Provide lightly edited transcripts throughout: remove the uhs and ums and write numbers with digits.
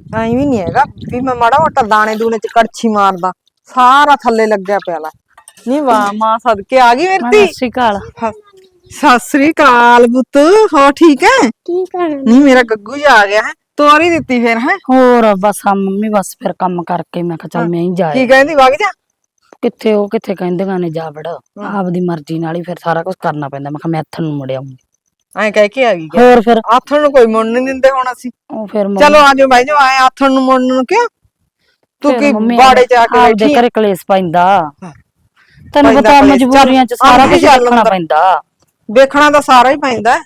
ਐਂ ਵੀ ਨਹੀਂ ਹੈਗਾ ਵੀ ਮੈਂ ਮਾੜਾ ਮੋਟਾ ਦਾਣੇ ਦੂਣੇ ਚ ਕੜਛੀ ਮਾਰਦਾ, ਸਾਰਾ ਥੱਲੇ ਲੱਗਿਆ ਪਿਆ ਲਾ। ਨੀ ਵਾਹ ਮਾਂ ਸਦਕੇ ਆ ਗਈ ਮਾਂ ਮੇਰੀ ਸਤਿ ਸ੍ਰੀ ਅਕਾਲ। ਸਤਿ ਸ੍ਰੀ ਅਕਾਲ ਪੁੱਤ, ਹੋ ਠੀਕ ਹੈ? ਠੀਕ ਹੈ ਨੀ ਮੇਰਾ ਗੱਗੂ ਜਾ ਆ ਗਿਆ ਹੈ, ਤੋਰ ਹੀ ਦਿੱਤੀ ਫਿਰ ਹੈ। ਹੋਰ ਬਸ ਆ ਮੰਮੀ, ਬਸ ਫਿਰ ਕੰਮ ਕਰਕੇ ਮੈਂ ਕਿਹਾ ਚੱਲ ਮੈਂ ਹੀ ਜਾ ਕੀ ਆਉਂਦੀ ਕਹਿੰਦੀ ਵਗ ਜਾ? ਕਿੱਥੇ ਉਹ ਕਿੱਥੇ ਕਹਿੰਦੀਆਂ ਨੇ ਜਾ ਵੜ, ਆਪਦੀ ਮਰਜ਼ੀ ਨਾਲ ਹੀ ਫਿਰ ਸਾਰਾ ਕੁਝ ਕਰਨਾ ਪੈਂਦਾ। ਮੈਂ ਕਿਹਾ ਮੈਂ ਇੱਥੇ ਨੂੰ ਮੁੜ ਆਉਂਗੀ। ਐਂ ਕਹਿ ਕੇ ਆ ਗਈ ਕਿਆ? ਹੋਰ ਫਿਰ ਆਥਣ ਨੂੰ ਕੋਈ ਮੁੜ ਨਹੀਂ ਦਿੰਦੇ ਹੁਣ ਅਸੀਂ। ਉਹ ਫਿਰ ਚਲੋ ਮੰਮੀ, ਆ ਜਾਓ ਬਾਈ ਜਾਓ, ਆਏ ਆਥਣ ਨੂੰ ਮੁੜਨ ਨੂੰ ਕਿਉਂ? ਤੂੰ ਫਿਰ ਕੀ ਮੰਮੀ ਬਾੜੇ ਚ ਆ ਕੇ ਆਪਦੇ ਬੈਠੀ ਆ? ਘਰੇ ਕਲੇਸ਼ ਪੈਂਦਾ, ਤੈਨੂੰ ਪੈਂਦਾ ਪਤਾ ਕਲੇਸ਼, ਚੱਲ ਮਜਬੂਰੀਆਂ ਚ ਸਾਰਾ ਅੰਦਰ ਹੀ ਕੁਝ ਚੱਲ ਦੇਖਣਾ ਅੰਦਰ। ਪੈਂਦਾ। ਵੇਖਣਾ ਤਾਂ ਸਾਰਾ ਹੀ ਪੈਂਦਾ।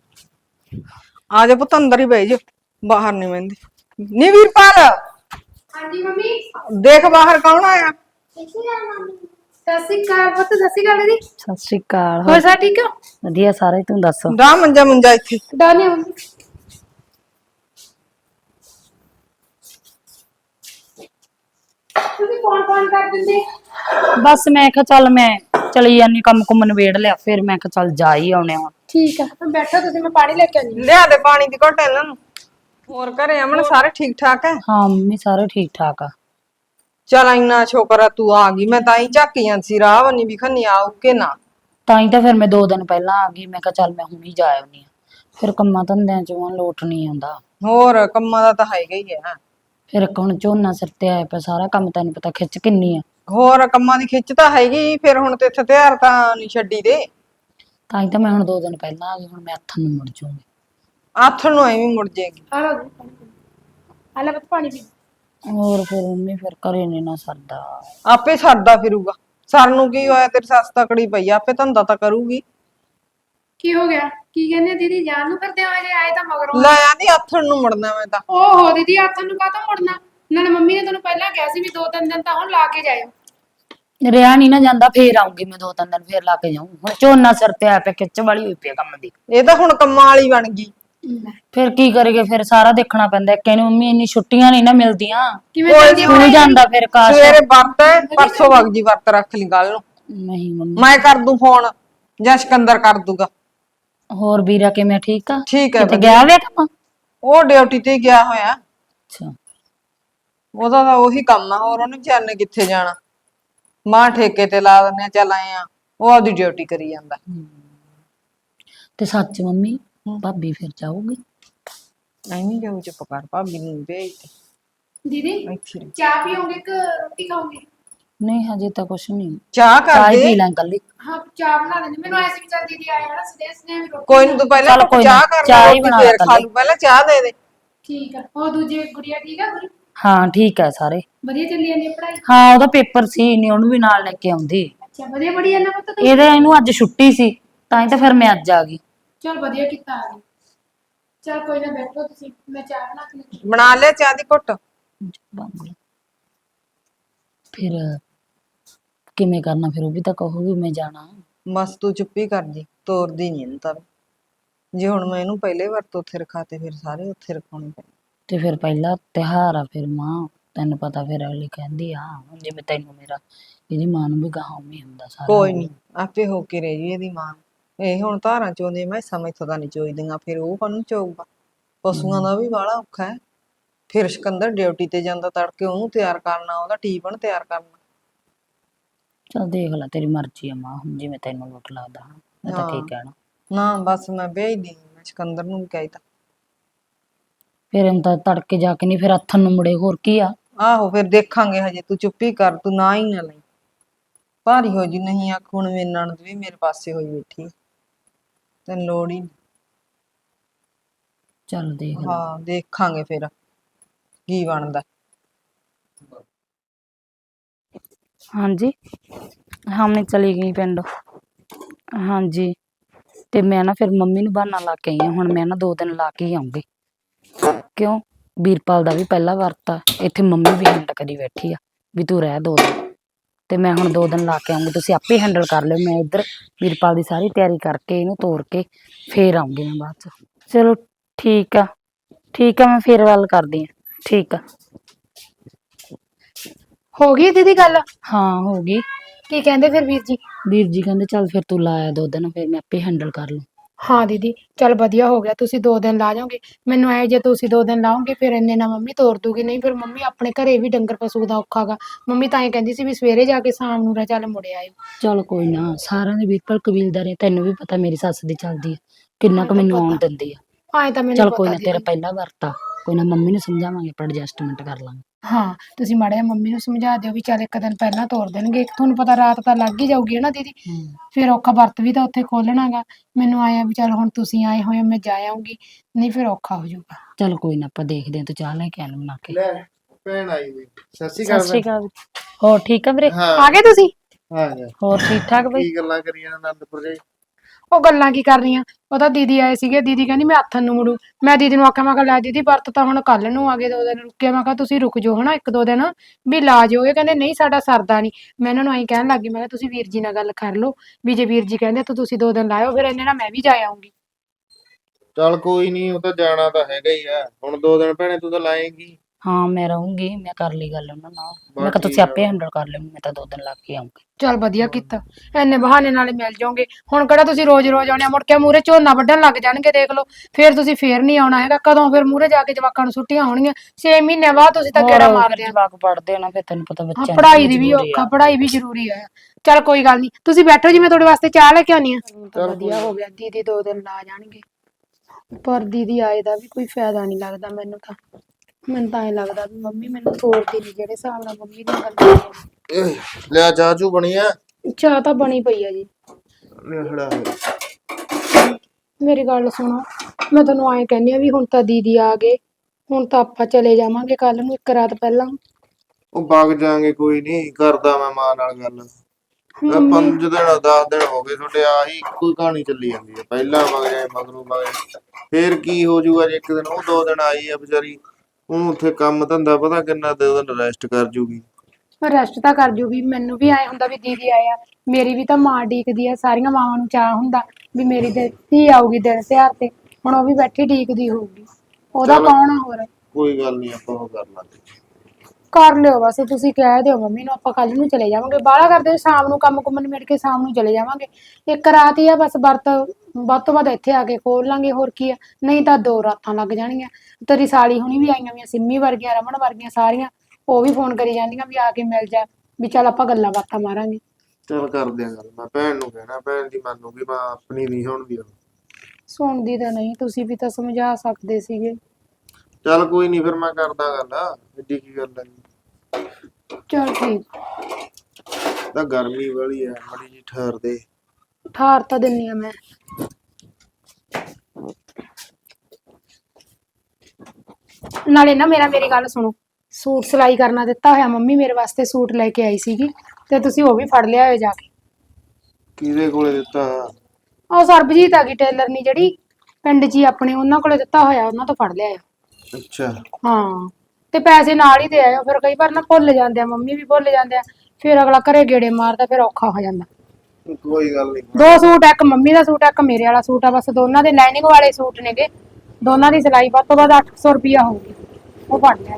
ਆ ਜਾ ਪੁੱਤ ਅੰਦਰ ਹੀ ਬਹਿ ਜਾ, ਬਾਹਰ ਨਹੀਂ ਬਹਿੰਦੀ। ਨੀ ਵੀਰਪਾਲ, ਹਾਂਜੀ ਮੰਮੀ। ਦੇਖ ਬਾਹਰ ਕੌਣ ਆਇਆ? ਸਤਿ ਸ਼੍ਰੀ ਅਕਾਲ ਪੁੱਤ, ਸਤਿ ਸ਼੍ਰੀ ਅਕਾਲ ਦੀਦੀ। ਸਤਿ ਸ੍ਰੀ ਅਕਾਲ। ਹੋਰ ਸਭ ਠੀਕ ਹੋ? ਵਧੀਆ ਸਾਰੇ, ਤੂੰ ਦੱਸ? ਦਾ ਮੰਜਾ ਮੁੰਜਾ ਇੱਥੇ ਡਾਨੀ ਮੰਮੀ। ਤੁਸੀਂ ਫੋਨ ਕਰ ਦਿੰਦੇ। ਬਸ ਮੈਂ ਕਿਹਾ ਚੱਲ ਮੈਂ ਚਲੀ ਜਾਨੀ, ਕੰਮ ਕੁੰਮ ਨਿਬੇੜ ਲਿਆ, ਫਿਰ ਮੈਂ ਕਿਹਾ ਚੱਲ ਜਾ ਹੀ ਆਉਣੇ ਹੁਣ। ਠੀਕ ਆ, ਬੈਠੋ ਤੁਸੀਂ, ਮੈਂ ਪਾਣੀ ਲੈ ਕੇ ਆਉਂਦੀ ਹਾਂ। ਲਿਆ ਦੇ ਪਾਣੀ ਦੀ ਘੁੱਟ ਇਹਨਾਂ ਨੂੰ। ਹੋਰ ਘਰੇ ਅਮਨ ਸਾਰੇ ਠੀਕ ਠਾਕ ਹੈ? ਹਾਂ ਮੰਮੀ ਸਾਰੇ ਠੀਕ ਠਾਕ ਆ। ਚੱਲ ਇੰਨਾ ਸ਼ੁਕਰ ਆ ਤੂੰ ਆ ਗਈ, ਮੈਂ ਤਾਂ ਹੀ ਝਾਕੀ ਜਾਂਦੀ ਸੀ ਰਾਹ ਬੰਨੀ ਵੀ ਖੰਨੀ ਆਊ ਕਿ ਨਾ। ਤਾਂ ਹੀ ਤਾਂ ਫਿਰ ਮੈਂ 2 ਦਿਨ ਪਹਿਲਾਂ ਆ ਗਈ। ਮੈਂ ਕਿਹਾ ਚੱਲ ਮੈਂ ਹੁਣੀ ਜਾ ਆਉਣੀ ਆ, ਫਿਰ ਕੰਮਾਂ ਧੰਦਿਆਂ ਚੋਂ ਲੋਟ ਨਹੀਂ ਆਉਂਦਾ। ਹੋਰ ਕੰਮਾਂ ਦਾ ਤਾਂ ਹੈਗਾ ਹੀ ਹੈ। ਫਿਰ ਇੱਕ ਹੁਣ ਝੋਨਾ ਸਿਰ ਤੇ ਆਇਆ ਪਿਆ, ਸਾਰਾ ਕੰਮ ਤੈਨੂੰ ਪਤਾ ਖਿੱਚ ਕਿੰਨੀ ਆ। ਹੋਰ ਕੰਮਾਂ ਦੀ ਖਿੱਚ ਤਾਂ ਹੈਗੀ, ਫਿਰ ਹੁਣ ਤੇ ਇੱਥੇ ਤਿਉਹਾਰ ਤਾਂ ਨਹੀਂ ਛੱਡੀ ਦੇ। ਤਾਂ ਹੀ ਤਾਂ ਮੈਂ ਹੁਣ 2 ਦਿਨ ਪਹਿਲਾਂ ਆ ਗਈ, ਹੁਣ ਮੈਂ ਹੱਥਾਂ ਨੂੰ ਮੁੜ ਜੂਗੀ। ਆਥਣ ਨੂੰ ਐਵੇਂ ਮੁੜ ਜਾਏਗੀ। ਆ ਲਓ ਆ ਲੈ ਪੁੱਤ ਪਾਣੀ ਪੀ। ਹੋਰ ਫਿਰ ਮੰਮੀ ਫਿਰ ਘਰੇ ਨੀ ਨਾ ਸਰਦਾ। ਆਪੇ ਸਰਦਾ ਫਿਰੂਗਾ। ਸਰ ਨੂੰ ਕੀ ਹੋਇਆ, ਤੇਰੀ ਸੱਸ ਤਕੜੀ ਪਈ ਆ, ਆਪੇ ਧੰਦਾ ਤਾਂ ਕਰੂਗੀ। ਕੀ ਹੋ ਗਿਆ? ਕੀ ਕਹਿੰਦੇ ਦੀਦੀ, ਜਾਨ ਨੂੰ ਫਿਰਦੇ ਹੋ ਅਜੇ? ਆਏ ਤਾਂ ਮਗਰੋਂ। ਲੈ ਆਂਦੀ ਆਥਣ ਨੂੰ ਮੁੜਨਾ ਮੈਂ ਤਾਂ। ਓਹੋ ਦੀਦੀ, ਆ ਤੁਹਾਨੂੰ ਕਾਹਤੋਂ ਮੁੜਨਾ? ਨਾਲੇ ਮੰਮੀ ਨੇ ਤੁਹਾਨੂੰ ਪਹਿਲਾਂ ਕਿਹਾ ਸੀ ਵੀ 2-3 ਦਿਨ ਤਾਂ ਹੁਣ ਲਾ ਕੇ ਜਾਇਓ। ਰਿਆ ਨਹੀਂ ਨਾ ਜਾਂਦਾ, ਫੇਰ ਆਉਂਗੀ ਮੈਂ 2-3 ਦਿਨ, ਫੇਰ ਲਾ ਕੇ ਜਾਊਂ। ਹੁਣ ਝੋਨਾ ਸਿਰ ਤੇ ਆਇਆ ਪਿਆ, ਖਿੱਚ ਵਾਲੀ ਹੋਈ ਪਈ ਕੰਮ ਦੀ। ਇਹ ਤਾਂ ਹੁਣ ਕੰਮਾਂ ਵਾਲੀ ਬਣ ਗਈ। ਫਿਰ ਕੀ ਕਰੇਗੇ, ਫਿਰ ਸਾਰਾ ਦੇਖਣਾ ਪੈਂਦਾ। ਕਹਿੰਦੇ ਮੰਮੀ ਇੰਨੀ ਛੁੱਟੀਆਂ ਨਹੀਂ ਨਾ ਮਿਲਦੀਆਂ। ਕਿਵੇਂ ਕੋਈ ਚੱਲਦੀ ਨੀ, ਸਕੂਲ ਜਾਂਦਾ ਫਿਰ ਕਾਸ਼। ਸਵੇਰੇ ਵਰਤ ਹੈ, ਪਰਸੋਂ ਵਗ ਜੀ ਵਰਤ ਰੱਖ ਲਈ ਕੱਲ ਨੂੰ। ਨਹੀਂ ਮੰਮੀ। ਮੈਂ ਕਰ ਦੂੰ ਫੋਨ ਜਾਂ ਸਿਕੰਦਰ ਕਰ ਦੂਗਾ। ਹੋਰ ਵੀਰਾ ਕਿਵੇਂ, ਠੀਕ ਆ? ਠੀਕ ਹੈ ਕਿਤੇ ਵਧੀਆ। ਗਿਆ ਵੇ ਕੰਮ? ਉਹ ਡਿਊਟੀ ਤੇ ਹੀ ਗਿਆ ਹੋਇਆ। ਅੱਛਾ। ਉਹਦਾ ਤਾਂ ਉਹੀ ਕੰਮ ਆ, ਹੋਰ ਉਹਨੇ ਵਿਚਾਰ ਨੇ ਕਿੱਥੇ ਜਾਣਾ। ਮਾਂ ਠੇਕੇ ਤੇ ਲਾ ਦਿੰਦੇ ਆ, ਚੱਲ ਆਏ ਆ, ਉਹ ਆਪਦੀ ਡਿਊਟੀ ਕਰੀ ਜਾਂਦਾ। ਤੇ ਸੱਚ ਮੰਮੀ, ਭਾਬੀ ਫਿਰ ਜਾਊਗੀ? ਐਵੇਂ ਜਾਊ, ਚੁੱਪ ਕਰ, ਭਾਬੀ ਨੂੰ ਭੇਜ ਦੇ ਦੀਦੀ ਇੱਥੇ। ਚਾਹ ਪੀਓਗੇ ਕਿ ਰੋਟੀ ਖਾਓਗੇ? ਨਹੀਂ ਹਜੇ ਤਾਂ ਕੁਛ ਨਹੀਂ, ਚਾਹ ਕਰ ਚਾਹ ਹੀ ਦੇ। ਪੀ ਲਾਂ ਕੱਲੀ। ਹਾਂ ਚਾਹ ਬਣਾ ਲੈਂਦੇ, ਮੈਨੂੰ ਐਸੀ ਵੀ ਚੱਲ ਦੀਦੀ ਆਏ ਹਨਾ, ਸਨੇਹ ਵੀ ਰੋਟੀ ਕੋਈ ਨੀ, ਤੂੰ ਪਹਿਲਾਂ ਚੱਲ ਕੋਈ ਨਾ, ਚਾਹ ਕਰ ਲੈ, ਚਾਹ ਹੀ ਰੋਟੀ ਬਣਾ ਲਾ ਫੇਰ ਖਾ ਕੱਲੀ। ਲੂ, ਪਹਿਲਾਂ ਚਾਹ ਦੇ ਦੇ। ਠੀਕ ਆ। ਉਹ ਦੂਜੀ ਗੁੜੀਆ ਠੀਕ ਆ ਗੁਰੀ? ਹਾਂ ਠੀਕ ਹੈ ਸਾਰੇ। ਵਧੀਆ ਚੱਲੀ ਜਾਂਦੀ ਆ ਪੜ੍ਹਾਈ? ਹਾਂ ਉਹਦਾ ਪੇਪਰ ਸੀ, ਨਹੀਂ ਉਹਨੂੰ ਵੀ ਨਾਲ ਲੈ ਕੇ ਆਉਂਦੀ। ਅੱਛਾ, ਵਧੀਆ ਪੜ੍ਹੀ ਜਾਂਦਾ ਪੁੱਤ ਤੂੰ? ਇਹਨੂੰ ਅੱਜ ਛੁੱਟੀ ਸੀ, ਤਾਂ ਹੀ ਤਾਂ ਫਿਰ ਮੈਂ ਅੱਜ ਆ ਗਈ। ਚਲ ਵਧੀਆ ਕੀਤਾ ਆ ਗਈ। ਚਲ ਕੋਈ ਨਾ, ਬੈਠੋ ਤੁਸੀਂ, ਮੈਂ ਚਾਹ ਬਣਾ ਕੇ ਲਿਆਉਂਦੀ। ਬਣਾ ਲਿਆ ਚਾਹ ਦੀ ਘੁੱਟ? ਫਿਰ ਕਿਵੇਂ ਕਰਨਾ, ਫਿਰ ਉਹ ਵੀ ਤਾਂ ਕਹੂਗੀ ਮੈਂ ਜਾਣਾ। ਬਸ ਤੂੰ ਚੁੱਪੀ ਕਰ ਜੀ, ਤੋਰਦੀ ਨਹੀਂ ਇਹਨੂੰ ਤਾਂ। ਜੇ ਹੁਣ ਮੈਂ ਇਹਨੂੰ ਪਹਿਲੇ ਵਾਰ ਤੋਂ ਉੱਥੇ ਰਖਾਤੇ, ਫਿਰ ਸਾਰੇ ਉੱਥੇ ਰਖਾਉਣੇ ਪੈਣੇ। ਤੇ ਫਿਰ ਪਹਿਲਾ ਤਿਉਹਾਰ ਆ, ਫਿਰ ਮਾਂ ਤੈਨੂੰ ਪਤਾ, ਫਿਰ ਅਗਲੀ ਕਹਿੰਦੀ ਆ ਹੁਣ ਜਿਵੇਂ ਤੈਨੂੰ ਮੇਰਾ, ਇਹਦੀ ਮਾਂ ਨੂੰ ਵੀ ਗਾਹਾਂ ਉਵੇਂ ਹੁੰਦਾ ਸਾਰਾ। ਕੋਈ ਨੀ, ਆਪੇ ਹੋ ਕੇ ਰਹਿ ਜੀ ਇਹਦੀ ਮਾਂ। ਇਹ ਹੁਣ ਧਾਰਾਂ ਚੋਂਦੀ, ਮੈਂ ਸਮਝ ਤਾਂ ਨਹੀਂ ਚੋਈਦੀਆਂ, ਫਿਰ ਉਹ ਕਾਹਨੂੰ ਚੋਊਗਾ? ਪਸ਼ੂਆਂ ਦਾ ਵੀ ਬਾਹਲਾ ਔਖਾ ਹੈ। ਫਿਰ ਸਿਕੰਦਰ ਡਿਊਟੀ ਤੇ ਜਾਂਦਾ, ਤੜਕੇ ਉਹਨੂੰ ਤਿਆਰ ਕਰਨਾ, ਉਹਦਾ ਟੀਫਨ ਤਿਆਰ ਕਰਨਾ। ਚੱਲ ਦੇਖ ਲੈ, ਤੇਰੀ ਮਰਜ਼ੀ ਆ ਮਾਂ, ਹੁਣ ਜਿਵੇਂ ਤੈਨੂੰ ਲੋਟ ਲੱਗਦਾ। ਮੈਂ ਤਾਂ ਕੀ ਹਾਂ ਕਹਿਣਾ। ਨਾ ਬਸ ਮੈਂ ਭੇਜਦੀ, ਮੈਂ ਸਿਕੰਦਰ ਨੂੰ ਵੀ ਕਹਿਤਾ। ਫਿਰ ਇਹਨੂੰ ਤਾਂ ਤੜਕੇ ਜਾ ਕੇ ਨਹੀਂ, ਫਿਰ ਹੱਥਾਂ ਨੂੰ ਮੁੜੇ, ਹੋਰ ਕੀ ਆ। ਆਹੋ ਫਿਰ ਦੇਖਾਂਗੇ, ਹਜੇ ਤੂੰ ਚੁੱਪੀ ਕਰ, ਤੂੰ ਨਾ ਹੀ ਨਾ ਲਈ ਭਾਰੀ ਹੋ ਜੀ। ਨਹੀਂ ਆਖ ਹੁਣ ਮੇਰੇ ਨਣਦ ਵੀ ਮੇਰੇ ਪਾਸੇ ਹੋਈ ਬੈਠੀ, ਤੈਨੂੰ ਲੋੜ ਹੀ ਨੀ। ਚੱਲ ਦੇਖ ਲੈ। ਹਾਂ ਦੇਖਾਂਗੇ ਫਿਰ ਕੀ ਬਣਦਾ। ਹਾਂਜੀ ਹਾਂ, ਮੈਂ ਚਲੀ ਗਈ ਪਿੰਡ। ਹਾਂਜੀ ਤੇ ਮੈਂ ਨਾ ਫਿਰ ਮੰਮੀ ਨੂੰ ਬਹਾਨਾ ਲਾ ਕੇ ਆਈ ਹਾਂ, ਹੁਣ ਮੈਂ ਨਾ 2 ਦਿਨ ਲਾ ਕੇ ਹੀ ਆਉਂਗੀ। ਕਿਉਂ? ਵੀਰਪਾਲ ਦਾ ਵੀ ਪਹਿਲਾ ਵਰਤ ਆ, ਇੱਥੇ ਮੰਮੀ ਵੀ ਹਿੰਡ ਕਰੀ ਬੈਠੀ ਆ ਵੀ ਤੂੰ ਰਹਿ 2 ਦਿਨ, ਤੇ ਮੈਂ ਹੁਣ 2 ਦਿਨ ਲਾ ਕੇ ਆਉਂਗੀ। ਤੁਸੀਂ ਆਪੇ ਹੈਂਡਲ ਕਰ ਲਿਓ, ਮੈਂ ਇੱਧਰ ਵੀਰਪਾਲ ਦੀ ਸਾਰੀ ਤਿਆਰੀ ਕਰਕੇ ਇਹਨੂੰ ਤੋਰ ਕੇ ਫੇਰ ਆਉਂਗੀ ਮੈਂ ਬਾਅਦ 'ਚ। ਚਲੋ ਠੀਕ ਆ, ਠੀਕ ਆ, ਮੈਂ ਫੇਰ ਗੱਲ ਕਰਦੀ ਹਾਂ। ਠੀਕ ਆ। ਹੋ ਗਈ ਦੀਦੀ ਗੱਲ? ਹਾਂ ਹੋ ਗਈ। ਕੀ ਕਹਿੰਦੇ ਫਿਰ ਵੀਰ ਜੀ? ਵੀਰ ਜੀ ਕਹਿੰਦੇ ਚੱਲ ਫਿਰ ਤੂੰ ਲਾਇਆ 2 ਦਿਨ, ਫਿਰ ਮੈਂ ਆਪੇ ਹੈਂਡਲ ਕਰ ਲੂੰ। ਹਾਂ ਦੀਦੀ ਚੱਲ ਵਧੀਆ ਹੋ ਗਿਆ ਤੁਸੀਂ 2 ਦਿਨ ਲਾ ਜਾਓਗੇ। ਮੈਨੂੰ ਐ ਜੇ ਤੁਸੀਂ 2 ਦਿਨ ਲਾਓਗੇ ਫਿਰ ਇੰਨੇ ਨਾਲ ਮੰਮੀ ਤੋਰ ਦੂਗੀ, ਨਹੀਂ ਫਿਰ ਮੰਮੀ ਆਪਣੇ ਘਰੇ ਵੀ ਡੰਗਰ ਪਸ਼ੂ ਦਾ ਔਖਾ ਗਾ। ਮੰਮੀ ਤਾਂ ਐਂ ਕਹਿੰਦੀ ਸੀ ਵੀ ਸਵੇਰੇ ਜਾ ਕੇ ਸ਼ਾਮ ਨੂੰ ਚੱਲ ਮੁੜ ਆਇਓ। ਚਲ ਕੋਈ ਨਾ, ਸਾਰਿਆਂ ਦੀ ਵੀਰਪਾਲ ਕਬੀਲਦਾਰੀ ਤੈਨੂੰ ਵੀ ਪਤਾ ਮੇਰੀ ਸੱਸ ਦੀ ਚੱਲਦੀ ਆ, ਕਿੰਨਾ ਐਂ ਕੁ ਤਾਂ ਮੈਨੂੰ ਆਉਣ ਪਤਾ ਦਿੰਦੀ ਆ। ਐਂ ਤਾਂ ਮੈਨੂੰ ਚਲ ਕੋਈ ਪਤਾ ਨਾ, ਤੇਰਾ ਦੀਦੀ। ਪਹਿਲਾ ਵਰਤਾ, ਕੋਈ ਨਾ ਮੰਮੀ ਨੂੰ ਸਮਝਾਵਾਂਗੇ, ਆਪਾਂ ਐਡਜਸਟਮੈਂਟ ਕਰ ਲਾਂਗੇ। ਹਾਂ ਤੁਸੀਂ ਮਾੜਾ ਜਿਹਾ ਮੰਮੀ ਨੂੰ ਸਮਝਾ ਦਿਓ ਵੀ ਚੱਲ 1 ਦਿਨ ਪਹਿਲਾਂ ਤੋਰ ਦੇਣਗੇ, ਤੁਹਾਨੂੰ ਪਤਾ ਰਾਤ ਤਾਂ ਲੱਗ ਹੀ ਜਾਊਗੀ ਨਾ ਦੀਦੀ। ਹੂੰ। ਫਿਰ ਔਖਾ ਵਰਤ ਵੀ ਤਾਂ ਉੱਥੇ ਖੋਲਣਾ ਗਾ। ਮੈਨੂੰ ਆਇਆ ਵੀ ਚੱਲ ਹੁਣ ਤੁਸੀਂ ਆਏ ਹੋਏ ਹੋ, ਮੈਂ ਜਾ ਆਉਂਗੀ, ਨਹੀਂ ਫਿਰ ਔਖਾ ਹੋ ਜਾਊਗਾ। ਚਲ ਕੋਈ ਨਾ, ਆਪਾਂ ਦੇਖਦੇ ਆਂ, ਤੂੰ ਚਾਹ ਲੈ ਕੇ ਆ ਲੈ ਬਣਾ ਕੇ। ਲੈ ਭੈਣ ਆਈ ਹੋਈ। ਸਤਿ ਸ਼੍ਰੀ ਸਤਿ ਅਕਾਲ ਸ਼੍ਰੀ ਭੈਣ। ਅਕਾਲ। ਹੋਰ ਠੀਕ ਆ ਵੀਰੇ? ਹਾਂ ਆ ਗਏ ਤੁਸੀਂ? ਆ ਗਿਆ। ਹੋਰ ਠੀਕ ਠਾਕ ਬਈ? ਕੀ ਗੱਲਾਂ ਕਰੀਆਂ ਆਨੰਦਪੁਰ ਜੀ? ਉਹ ਗੱਲਾਂ ਕੀ ਕਰਨੀਆਂ, ਉਹ ਤਾਂ ਦੀਦੀ ਆਏ ਸੀਗੇ, ਦੀਦੀ ਕਹਿੰਦੀ ਮੈਂ ਆਥਣ ਨੂੰ ਮੁੜੂ। ਮੈਂ ਦੀਦੀ ਨੂੰ ਆਖਿਆ, ਮੈਂ ਕਿਹਾ ਲੈ ਦੀਦੀ ਵਰਤ ਤਾਂ ਹੁਣ ਕੱਲ ਨੂੰ ਆ ਗਏ, 2 ਦਿਨ ਰੁਕੇ, ਮੈਂ ਕਿਹਾ ਤੁਸੀਂ ਰੁਕ ਜਾਓ ਹਨਾ 1-2 ਦਿਨ ਵੀ ਲਾ ਜਾਓ। ਇਹ ਕਹਿੰਦੇ ਨਹੀਂ ਸਾਡਾ ਸਰਦਾ ਨਹੀਂ। ਮੈਂ ਇਹਨਾਂ ਨੂੰ ਐਂ ਕਹਿਣ ਲੱਗੀ, ਮੈਂ ਕਿਹਾ ਤੁਸੀਂ ਵੀਰ ਜੀ ਨਾਲ ਗੱਲ ਕਰ ਲਓ ਵੀ ਜੇ ਵੀਰ ਜੀ ਕਹਿੰਦੇ ਤਾਂ ਤੁਸੀਂ 2 ਦਿਨ ਲਾਇਓ, ਫਿਰ ਇੰਨੇ ਨਾਲ ਮੈਂ ਵੀ ਜਾ ਆਉਂਗੀ। ਚੱਲ ਕੋਈ ਨਹੀਂ, ਉਹ ਤਾਂ ਜਾਣਾ ਤਾਂ ਹੈਗਾ ਹੀ ਆ। ਹੁਣ 2 ਦਿਨ ਭੈਣੇ ਤੂੰ ਤਾਂ ਲਾਏਂਗੀ। ਹਾਂ ਮੈਂ ਰਹੂੰਗੀ, ਮੈਂ ਕਰ ਲਈ ਗੱਲ ਉਹਨਾਂ ਨਾਲ। ਮੈਂ ਬਸ ਕਿਹਾ ਤੁਸੀਂ ਠੀਕ ਆਪੇ ਆ। ਹੈਂਡਲ ਕਰ ਲਿਓ, ਮੈਂ ਤਾਂ 2 ਦਿਨ ਲਾ ਕੇ ਆਉਂਗੀ। ਚੱਲ ਵਧੀਆ ਕੀਤਾ, ਐਨੇ ਬਹਾਨੇ ਨਾਲ ਹੀ ਮਿਲ ਜਾਓਗੇ। ਹੁਣ ਕਿਹੜਾ ਤੁਸੀਂ ਰੋਜ਼-ਰੋਜ਼ ਆਉਣੇ ਆ, ਮੁੜ ਕੇ ਮੂਹਰੇ ਝੋਨਾ ਵੱਢਣ ਲੱਗ ਜਾਣਗੇ ਦੇਖ ਲਓ। ਫਿਰ ਤੁਸੀਂ ਫੇਰ ਨਹੀਂ ਆਉਣਾ ਹੈਗਾ, ਕਦੋਂ ਫਿਰ ਮੂਹਰੇ ਜਾ ਕੇ ਜਵਾਕਾਂ ਨੂੰ ਛੁੱਟੀਆਂ ਹੋਣਗੀਆਂ। 6 ਮਹੀਨੇ ਬਾਅਦ ਤੁਸੀਂ ਤਾਂ ਹੋਰ ਗੇੜਾ ਫਿਰ ਮਾਰਦੇ ਆ। ਜਵਾਕ ਪੜ੍ਹਦੇ ਆ ਨਾ, ਫਿਰ ਤੈਨੂੰ ਪਤਾ ਹਾਂ ਬੱਚਿਆਂ ਦੀ ਪੜ੍ਹਾਈ ਦੀ ਵੀ ਮਜਬੂਰੀ ਔਖਾ, ਆ। ਪੜ੍ਹਾਈ ਵੀ ਜ਼ਰੂਰੀ ਹੈ। ਚੱਲ ਕੋਈ ਗੱਲ ਨਹੀਂ, ਤੁਸੀਂ ਬੈਠੋ ਜੀ, ਮੈਂ ਤੁਹਾਡੇ ਵਾਸਤੇ ਚਾਹ ਲੈ ਕੇ ਆਉਣੀ ਆ। ਤਾਂ ਚੱਲ ਵਧੀਆ ਕੋਈ ਹੋ ਗਿਆ, ਦੀਦੀ 2 ਦਿਨ ਲਾ ਜਾਣਗੇ। ਪਰ ਦੀਦੀ ਆਏ ਦਾ ਵੀ ਕੋਈ ਫਾਇਦਾ ਨਹੀਂ ਲੱਗਦਾ ਮੈਨੂੰ ਤਾਂ ਐਂ ਲੱਗਦਾ ਵੀ ਮੰਮੀ ਮੈਨੂੰ ਤੋਰਦੀ ਨਹੀਂ, ਜਿਹੜੇ ਹਿਸਾਬ ਨਾਲ ਮੰਮੀ ਦੀਆਂ ਗੱਲਾਂ ਨੇ। ਲਿਆ ਚਾਹ ਚੂ ਬਣੀ ਆ? ਚਾਹ ਤਾਂ ਬਣੀ ਪਈ ਆ ਜੀ। ਲੈ ਖੜਾ ਹੋ। ਮੇਰੀ ਗੱਲ ਸੁਣੋ, ਮੈਂ ਤੁਹਾਨੂੰ ਐਂ ਕਹਿੰਦੀ ਆ ਵੀ ਹੁਣ ਤਾਂ ਦੀਦੀ ਆ ਗਏ, ਹੁਣ ਤਾਂ ਆਪਾਂ ਚਲੇ ਜਾਵਾਂਗੇ ਕੱਲ ਨੂੰ 1 ਰਾਤ ਪਹਿਲਾਂ। ਉਹ ਵਗ ਜਾਾਂਗੇ, ਕੋਈ ਨਹੀਂ, ਕਰਦਾ ਮੈਂ ਮਾਂ ਨਾਲ ਗੱਲ। ਮੰਮੀ 5 ਦਿਨ 10 ਦਿਨ ਹੋ ਗਏ ਤੁਹਾਡੇ, ਆਹੀ ਕੋਈ ਕਹਾਣੀ ਚੱਲੀ ਜਾਂਦੀ ਹੈ। ਪਹਿਲਾਂ ਵਗ ਜਾਏ ਮਗਰੋਂ ਵਗ ਜਾਏ, ਫੇਰ ਕੀ ਹੋ ਜਾਊਗਾ ਜੇ 1 ਦਿਨ ਉਹ 2 ਦਿਨ ਆਈ ਆ ਵਿਚਾਰੀ। ਉਹਨੂੰ ਉੱਥੇ ਕੰਮ ਧੰਦਾ ਪਤਾ ਕਿੰਨਾ, 2 ਦਿਨ ਰੈਸਟ ਕਰ ਜੂਗੀ। ਰੈਸਟ ਤਾਂ ਕਰ ਜੂਗੀ, ਮੈਨੂੰ ਵੀ ਐ ਹੁੰਦਾ ਵੀ ਦੀਦੀ ਆਇਆ। ਮੇਰੀ ਵੀ ਤਾਂ ਮਾਂ ਡੀਕਦੀ ਆ, ਸਾਰੀਆਂ ਮਾਵਾਂ ਨੂੰ ਚਾਹ ਹੁੰਦਾ ਵੀ ਮੇਰੀ ਧੀ ਆਊਗੀ ਦਿਨ ਤਿਉਹਾਰ ਤੇ। ਹੁਣ ਉਹ ਵੀ ਬੈਠੀ ਡੀਕਦੀ ਹੋਊਗੀ, ਉਹਦਾ ਚੱਲ ਕੌਣ ਆ ਹੋਰ। ਕੋਈ ਗੱਲ ਨਹੀਂ, ਆਪਾਂ ਉਹ ਕਰ ਲਾਂਗੇ। ਕਰ ਲਿਓ ਬਸ, ਤੁਸੀਂ ਕਹਿ ਦਿਓ ਮੰਮੀ ਨੂੰ, ਆਪਾਂ ਕੱਲ ਨੂੰ ਚਲੇ ਜਾਵਾਂਗੇ। ਬਾਹਲਾ ਕਰਦੇ ਸ਼ਾਮ ਨੂੰ ਕੰਮ ਕੁੰਮ ਨਿਬੇੜ ਕੇ ਸ਼ਾਮ ਨੂੰ ਚਲੇ ਜਾਵਾਂਗੇ। 1 ਰਾਤ ਹੀ ਆ ਬਸ ਵਰਤ, ਵੱਧ ਤੋਂ ਵੱਧ ਇੱਥੇ ਆ ਕੇ ਖੋਲ ਲਾਂਗੇ, ਹੋਰ ਕੀ ਆ। ਨਹੀਂ ਤਾਂ 2 ਰਾਤਾਂ ਲੱਗ ਜਾਣਗੀਆਂ। ਤੇਰੀ ਸਾਲੀ ਹੁਣੀ ਵੀ ਆਈਆਂ ਵੀਆਂ, ਸਿੰਮੀ ਵਰਗੀਆਂ, ਰਮਨ ਵਰਗੀਆਂ ਸਾਰੀਆਂ, ਉਹ ਵੀ ਫੋਨ ਕਰੀ ਜਾਂਦੀਆਂ ਵੀ ਆ ਕੇ ਮਿਲ ਜਾ, ਵੀ ਚੱਲ ਆਪਾਂ ਗੱਲਾਂ ਬਾਤਾਂ ਮਾਰਾਂਗੇ। ਚੱਲ ਕਰਦੇ ਆਂ ਗੱਲ, ਮੈਂ ਭੈਣ ਨੂੰ ਕਹਿਣਾ, ਭੈਣ ਦੀ ਮੰਨੂਗੀ, ਮੈਂ ਆਪਣੀ ਨਹੀਂ ਸੁਣਦੀ ਉਹ। ਸੁਣਦੀ ਤਾਂ ਨਹੀਂ, ਤੁਸੀਂ ਵੀ ਤਾਂ ਸਮਝਾ ਸਕਦੇ ਸੀਗੇ। ਚੱਲ ਕੋਈ ਨਹੀਂ, ਫਿਰ ਮੈਂ ਕਰਦਾ ਗੱਲ, ਏਡੀ ਕੀ ਗੱਲ ਹੈ। ਚਲ ਠੀਕ, ਤਾਂ ਗਰਮੀ ਵਾਲੀ ਆ, ਮੜੀ ਜੀ ਠਹਿਰ ਦੇ। ਠਾਰ ਤਾਂ ਦਿੰਨੀ ਆ ਮੈਂ। ਨਾਲੇ ਨਾ ਮੇਰੀ ਗੱਲ ਸੁਣੋ, ਸੂਟ ਸਿਲਾਈ ਕਰਨਾ ਦਿੱਤਾ ਹੋਇਆ, ਮੰਮੀ ਮੇਰੇ ਵਾਸਤੇ ਸੂਟ ਲੈ ਕੇ ਆਈ ਸੀਗੀ, ਤੇ ਤੁਸੀਂ ਉਹ ਵੀ ਫੜ ਲਿਆ ਹੋਇਆ ਜਾ ਕੇ। ਕਿਹਦੇ ਕੋਲੇ ਦਿੱਤਾ? ਉਹ ਸਰਬਜੀਤ ਆ ਗਈ ਟੇਲਰ ਨੀ ਜਿਹੜੀ ਪਿੰਡ 'ਚ ਹੀ ਆਪਣੇ, ਉਹਨਾਂ ਕੋਲੇ ਦਿੱਤਾ ਹੋਇਆ, ਉਹਨਾਂ ਤੋਂ ਫੜ ਲਿਆ ਆ। ਅੱਛਾ। ਹਾਂ, ਤੇ ਪੈਸੇ ਨਾਲ ਹੀ ਦੇ ਆਇਓ, ਫਿਰ ਕਈ ਵਾਰ ਨਾ ਭੁੱਲ ਜਾਂਦੇ ਆ, ਮੰਮੀ ਵੀ ਭੁੱਲ ਜਾਂਦੇ ਆ, ਫਿਰ ਅਗਲਾ ਘਰੇ ਗੇੜੇ ਮਾਰਦਾ, ਫਿਰ ਔਖਾ ਹੋ ਜਾਂਦਾ। ਕੋਈ ਗੱਲ ਨਹੀਂ। 2 ਸੂਟ, ਇੱਕ ਮੰਮੀ ਦਾ ਸੂਟ, ਇੱਕ ਮੇਰੇ ਵਾਲਾ ਸੂਟ ਆ, ਬਸ ਦੋਨਾਂ ਦੇ ਲਾਈਨਿੰਗ ਵਾਲੇ ਸੂਟ ਨੇਗੇ। ਦੋਨਾਂ ਦੀ ਸਿਲਾਈ ਵੱਧ ਤੋਂ ਵੱਧ 800 ਰੁਪਿਆ ਹੋਊਗੀ, ਉਹ ਫੜ ਲਿਆ।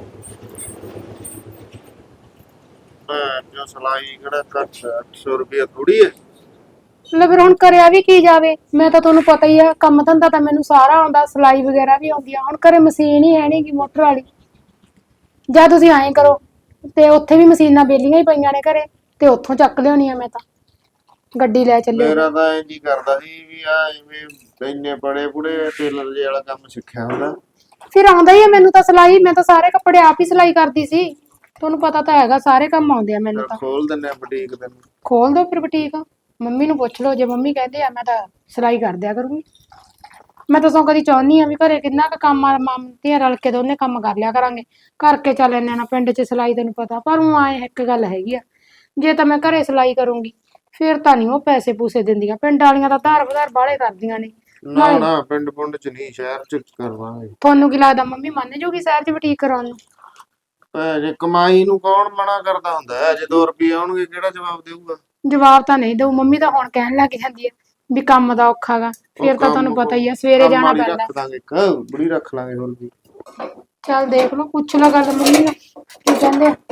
ਜੋ ਸਲਾਈ ਕਿਹੜਾ ਘੱਟ 800 ਰੁਪਇਆ ਥੋੜੀ ਹੈ। ਲੈ ਫਿਰ ਹੁਣ ਕਰਿਆ ਵੀ ਕੀ ਜਾਵੇ, ਮੈਂ ਤਾਂ ਤੁਹਾਨੂੰ ਪਤਾ ਹੀ ਆ, ਕੰਮ ਧੰਦਾ ਤਾਂ ਮੈਨੂੰ ਸਾਰਾ ਆਉਂਦਾ, ਸਿਲਾਈ ਵਗੈਰਾ ਵੀ ਆਉਂਦੀ ਆ। ਹੁਣ ਘਰੇ ਮਸ਼ੀਨ ਹੀ ਹੈ ਨੀ ਗੀ ਮੋਟਰ ਵਾਲੀ। ਜਾਂ ਤੁਸੀਂ ਐਂ ਕਰੋ, ਤੇ ਉੱਥੇ ਵੀ ਮਸ਼ੀਨਾਂ ਬੇਲੀਆਂ ਹੀ ਪਈਆਂ ਨੇ ਘਰੇ, ਤੇ ਉੱਥੋਂ ਚੱਕ ਲਿਆਉਣੀ ਆ ਮੈਂ ਤਾਂ, ਗੱਡੀ ਲੈ ਚੱਲਿਓ। ਮੇਰਾ ਤਾਂ ਇੰਝ ਹੀ ਕਰਦਾ ਸੀ ਵੀ ਆ ਐਵੇਂ ਇੰਨੇ ਬੜੇ ਬੁੜੇ ਟੇਲਰ ਜੇ ਵਾਲਾ ਕੰਮ ਸਿੱਖਿਆ ਹੁੰਦਾ। ਫਿਰ ਆਉਂਦਾ ਹੀ ਆ ਮੈਨੂੰ ਤਾਂ ਸਿਲਾਈ, ਮੈਂ ਤਾਂ ਸਾਰੇ ਕੱਪੜੇ ਆਪ ਹੀ ਸਿਲਾਈ ਕਰਦੀ ਸੀ। ਤੁਹਾਨੂੰ ਪਤਾ ਤਾਂ ਹੈਗਾ, ਸਾਰੇ ਕੰਮ ਆਉਂਦੇ ਆ ਮੈਨੂੰ ਤਾਂ। ਖੋਲ ਦਿੰਨੇ ਆ ਬੁਟੀਕ ਤੈਨੂੰ। ਖੋਲ ਦੋ ਫਿਰ ਬੁਟੀਕ, ਮੰਮੀ ਨੂੰ ਪੁੱਛ ਲਓ, ਜੇ ਮੰਮੀ ਕਹਿੰਦੇ ਆ ਮੈਂ ਤਾਂ ਸਿਲਾਈ ਕਰ ਦਿਆ ਕਰੂੰਗੀ। ਮੈਂ ਤਾਂ ਸੋ ਕਦੀ ਚਾਹੁੰਦੀ ਆ ਵੀ ਘਰੇ ਕਿੰਨਾ ਕੁ ਕੰਮ ਆ, ਮਾਂ ਧੀਆਂ ਰਲ ਕੇ ਦੋਨੇ ਕੰਮ ਕਰ ਲਿਆ ਕਰਾਂਗੇ, ਕਰਕੇ ਚੱਲ ਇੰਨੇ ਨਾ ਪਿੰਡ 'ਚ ਸਿਲਾਈ ਤੈਨੂੰ ਪਤਾ। ਪਰ ਉਹ ਆਏ ਇੱਕ ਗੱਲ ਹੈਗੀ ਆ, ਜੇ ਤਾਂ ਮੈਂ ਘਰੇ ਸਿਲਾਈ ਕਰੂੰਗੀ ਫਿਰ ਤਾਂ ਨਹੀਂ ਉਹ ਪੈਸੇ ਪੂਸੇ ਦਿੰਦੀਆਂ, ਪਿੰਡ ਵਾਲੀਆਂ ਤਾਂ ਧਾਰ ਵਧਾਰ ਬਾਹਲੇ ਕਰਦੀਆਂ ਨੇ। ਨਾ ਨਾ, ਪਿੰਡ ਪੁੰਡ 'ਚ ਨਹੀਂ, ਸ਼ਹਿਰ 'ਚ ਕਰਵਾਂਗੇ। ਤੁਹਾਨੂੰ ਕੀ ਲੱਗਦਾ ਮੰਮੀ ਮੰਨ ਜੂਗੀ ਸ਼ਹਿਰ 'ਚ ਬੁਟੀਕ ਕਰਾਉਣ ਨੂੰ? ਜੇ ਕਮਾਈ ਨੂੰ ਕੌਣ ਮਨਾ ਕਰਦਾ ਹੁੰਦਾ ਹੈ, ਜੇ 2 ਰੁਪਏ ਆਉਣਗੇ ਕਿਹੜਾ ਜਵਾਬ ਦੇਊਗਾ। ਜਵਾਬ ਤਾਂ ਨਹੀਂ ਦਊ, ਮੰਮੀ ਤਾਂ ਹੁਣ ਕਹਿਣ ਲੱਗ ਜਾਂਦੀ ਆ ਵੀ ਕੰਮ ਦਾ ਔਖਾ ਗਾ, ਫਿਰ ਤਾਂ ਤੁਹਾਨੂੰ ਪਤਾ ਹੀ ਆ ਸਵੇਰੇ ਕੰਮ ਜਾਣਾ ਵਾਲੀ ਪੈਂਦਾ। ਰੱਖ ਦਾਂਗੇ, ਇੱਕ ਬੁੜੀ ਰੱਖ ਲਾਂਗੇ ਹੋਰ ਕੀ। ਚੱਲ ਦੇਖ ਲਓ, ਪੁੱਛ ਲਓ ਗੱਲ ਮੰਮੀ ਨਾਲ ਕੀ ਕਹਿੰਦੇ ਆ।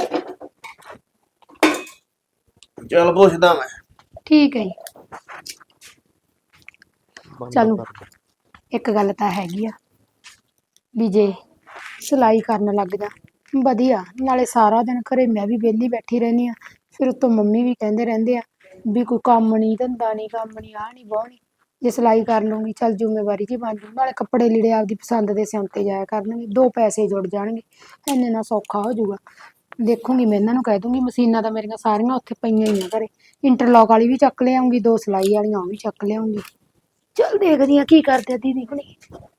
ਚੱਲ ਪੁੱਛਦਾ ਮੈਂ। ਠੀਕ ਹੈ ਜੀ। ਬੰਦ ਚਲੋ ਕਰ ਦੇ। ਇੱਕ ਗੱਲ ਤਾਂ ਹੈਗੀ ਆ ਵੀ ਜੇ ਸਿਲਾਈ ਕਰਨ ਲੱਗ ਜਾ ਵਧੀਆ, ਨਾਲੇ ਸਾਰਾ ਦਿਨ ਘਰੇ ਮੈਂ ਵੀ ਵਿਹਲੀ ਬੈਠੀ ਰਹਿੰਦੀ ਆ, ਫਿਰ ਉੱਤੋਂ ਮੰਮੀ ਵੀ ਕਹਿੰਦੇ ਰਹਿੰਦੇ ਆ ਵੀ ਕੋਈ ਕੰਮ ਨਹੀਂ ਧੰਦਾ ਨਹੀਂ, ਕੰਮ ਨਹੀਂ, ਆਹ ਨਹੀਂ ਬਹੁ ਨਹੀਂ। ਜੇ ਸਿਲਾਈ ਕਰ ਲੂੰਗੀ ਚੱਲ ਜ਼ਿੰਮੇਵਾਰੀ ਜੀ ਬਣ ਜੂ, ਨਾਲੇ ਕੱਪੜੇ ਲੀੜੇ ਆਪਦੀ ਪਸੰਦ ਦੇ ਸਿਉਂਤੇ ਜਾਇਆ ਕਰਨਗੇ, 2 ਪੈਸੇ ਜੁੜ ਜਾਣਗੇ, ਇੰਨੇ ਨਾਲ ਸੌਖਾ ਹੋ ਜਾਊਗਾ। ਦੇਖੂੰਗੀ ਮੈਂ ਇਹਨਾਂ ਨੂੰ ਕਹਿ ਦੂੰਗੀ ਮਸ਼ੀਨਾਂ ਤਾਂ ਮੇਰੀਆਂ ਸਾਰੀਆਂ ਉੱਥੇ ਪਈਆਂ ਹੀ ਆ ਘਰੇ, ਇੰਟਰਲੌਕ ਵਾਲੀ ਵੀ ਚੱਕ ਲਿਆਉਂਗੀ, 2 ਸਿਲਾਈ ਵਾਲੀਆਂ ਉਹ ਵੀ ਚੱਕ ਲਿਆਉਂਗੀ। ਚੱਲ ਦੇਖਦੀ ਆ ਕੀ ਕਰਦੇ ਆ ਦੀਦੀ ਹੁਣੀ।